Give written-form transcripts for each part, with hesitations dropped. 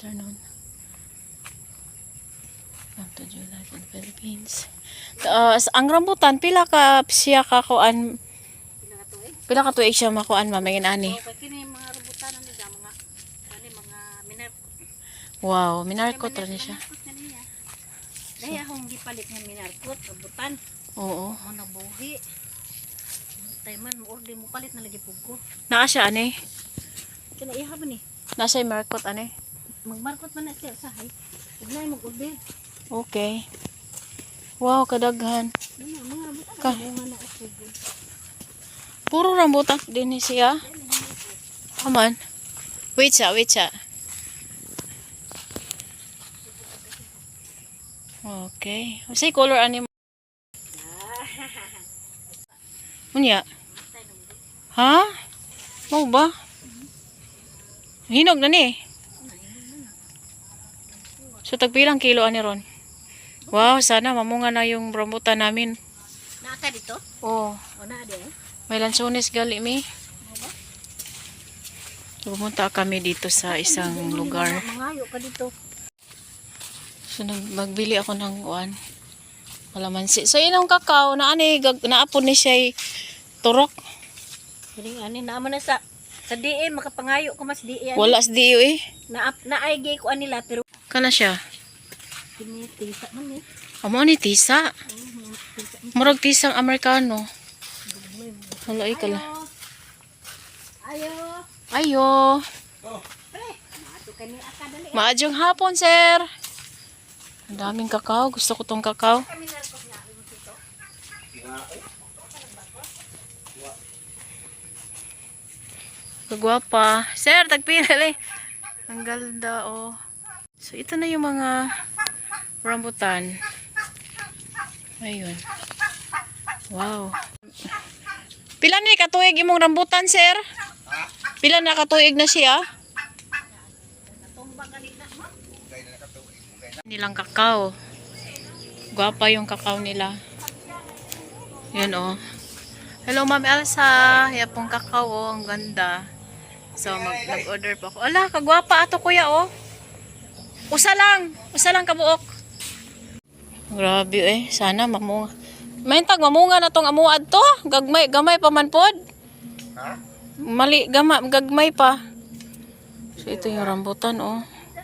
afternoon. Welcome to July in the Philippines. Ang rambutan, pila ka siya kakuan? Pila ka tuig siya makuan, mamangin ani? Kini mga rambutan nila, mga minarkot. Wow, minarkot rin siya. Dahil akong gipalit ng minarkot, rambutan. Oo. Ako nabuhi. Tayo man, order mo palit na lagi po ko. Naa siya ani? Kinaiha ba ni? Nasa markot ani? Magmarkot man na siya sa hay. Huwag na mag-order. Okay. Wow, kadaghan. Yan na, mga rambutan. Ka- Mga na ako. Puro rambutan din siya. Come on. Wait siya, wait siya. Okay. Say color ani mo? Unya? Ha? Mau ba? Hinog na ni. So tagpilang kilo ani ron? Wow, sana mamunga na yung rambutan namin. Naka dito? Oh, O na di eh. may lansones gali mi. Pumunta kami dito sa isang lugar. Mangayo ka dito. So magbili ako ng uwan. Kalamansi. So inong kakao na ani naapon ni siya turok. Kining ani naman na sa DE makapangayo ko mas DE. Wala sa diyo eh. Naay gay ko anila pero Kana siya. kini tisa man eh. Amo ni tisa. Murag tisang Amerikano. Wala kala. Ayo. Ayo. Pre, mato kani aka dali. Maadjong hapon, sir. Ang daming kakao. Gusto ko tong kakao. Kami narkot nga mo dito. Kagwapa. Sir, tagpinali. Ang ganda, oh. So, ito na yung mga rambutan. Ayun. Wow. Pila na katuig imong rambutan, sir? Pila na katuig na siya? Nilang kakao. Gwapa yung kakao nila. Yan, oh. Hello, Ma'am Elsa. Yapong kakao, oh. Ang ganda. So, nag-order pa ako. Ala, kagwapa ato kuya, oh. Usa lang kabuok. Grabe eh, sana mamunga. Maintag mamunga na tong amuad to. Gamay pa man pod. Ha? Mali, gagmay pa. So, ito yung rambutan, oh.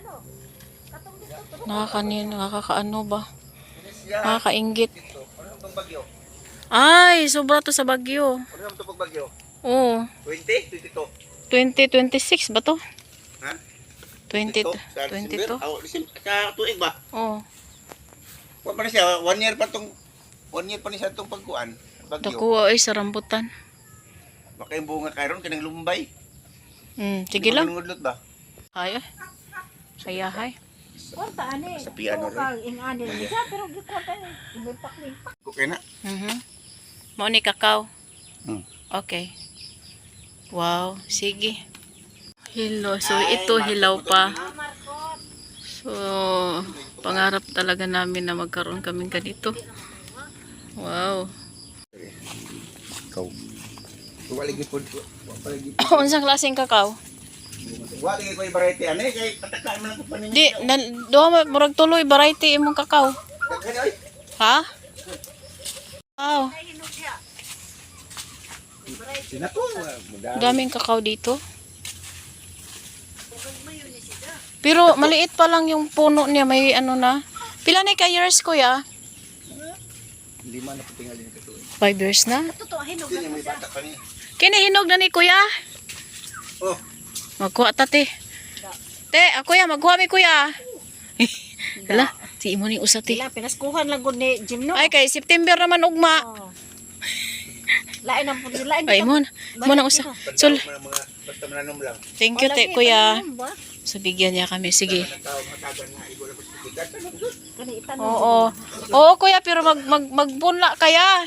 Nakakaano ba? Nakakaingit. Ano itong bagyo? Ay, sobra to sa Bagyo. Ano naman itong bagyo? Oo. 20? 22? 2026 ba to? Ha? 20, Sa 22? December? Sa tuig ba? Oo. Huwag pa na siya, 1 year pa niya itong pagkuhan. Bagyo. Takuha ay sa rambutan. Baka yung bunga karon kanang lumbay. Sige lang. Nangudlot ba? Ay, kaya hay. Kwarta ani. Sa piano Kang ingani ni siya pero gikwarta ni. Ibepak ni. Okay na. Mo ni kakao. Hmm. Okay. Wow, sige. Hello. So ito hilaw pa. So pangarap talaga namin na magkaroon kaming ganito. Wow. Ikaw. Waligi po. Unsang klaseng kakao? Waligi ko yung variety. Ano eh, kay patakaan mo lang ko pa ninyo. Di, doon murag tuloy variety imong kakao. Kaya ay. Ha? Wow. Sinato. Daming kakao dito. Pero maliit pa lang yung puno niya, may ano na. Pila na ka years kuya? 5 na patingal din ito. 5 years na. Totoo hinog Hindi may bata pa niya. Kinihinog na ni kuya. Oh. Magkuha ta te. Te, kuya, magkuha mi kuya. Hala, si imo ni usa te. Sila pinaskuhan lang gud ni Jim no. Ay kay September naman ugma. Oh. Lain ang pud lain. Ay mo na usa. So, Mga basta mananom lang. thank you te kuya. So bigyan niya kami, sige. Tao matagan na ibo na po sa tigat. Kani itan. Oo. Oo kuya, pero magpunla kaya.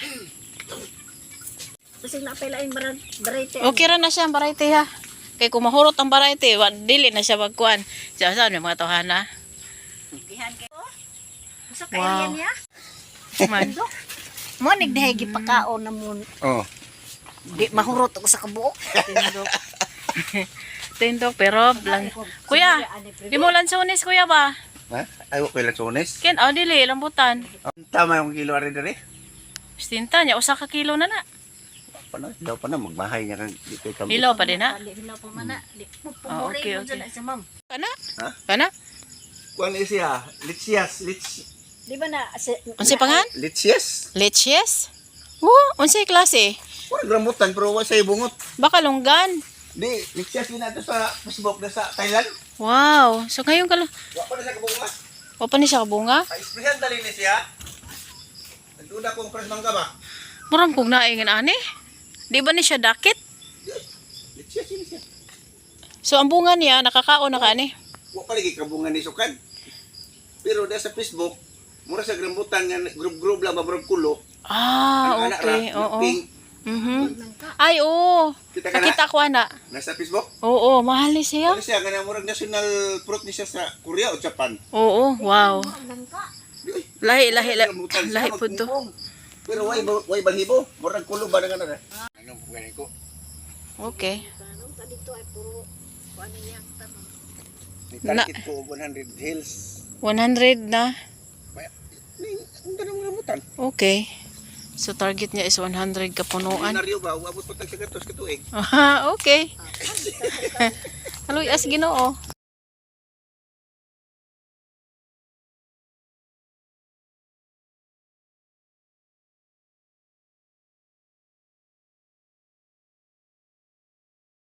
Kasi na pa lain variety. Okay ra na siya ang variety ha. Kay kung mahurot ang variety, dili na siya magkuhan. Siya saan may mga tawhana. Gihan kay ko. Sa Wow. kaya niya. Man. Mo nigdahay gipakaon na mo. Oh. Di mahurot ako sa kabuok. tindog pero lang. Kuya, di mo lansones kuya ba? Ha? Ayaw ko ilang sones. Ken dili lambutan. Tama yung kilo ari dali. Stinta niya usa ka kilo na na. Daw pa na magbahay niya kang dito kami. Hilaw pa din na. Hindi hilaw pa man na. Di Ah, okay, pumuri okay. sa ma'am. Kana? Ha? Kana? Kuan siya, litsias, Di ba na Unsay pangan? litsias. Leches? Unsay klase? Wala rambutan pero wala sa bungot. Baka longgan. Di, litsias din nato sa Facebook na sa Thailand. Wow. So ngayon Wa pa na sa kabunga. o pa ni siya kabunga? Ay, isprihan dali ni siya. Nagduda kong pres mangga ba? Murang kog naingan ani. Di ba ni siya dakit? Litsias yun siya. So ang bunga niya nakakaon na ka ani. Wa pa lagi kabunga ni Sukan. Pero da sa Facebook, mura sa rambutan nga group lang mabrog kulo. Ah, Ang anak okay. ra, Oo. pink. Ay, oo. Kita ka na? Nakita ko na. Nasa Facebook. Oo, mahal ni siya. Ano siya, ganang murag national fruit ni siya sa Korea o Japan. Oo, wow. Uy, Lahi rambutan siya, po to. magpungpong. Pero way balhibo, murag kulo ba na nga na. Anong ganyan ko? Okay. Tanong ka dito ay puro ano yang tanong. Ni target ko 100 hills. 100 na. Ang ganang rambutan. Okay. So target niya is 100 kapunuan. Naryo ba, uabot pa tag sa gatos katuig. Aha, okay. Haloy as Ginoo.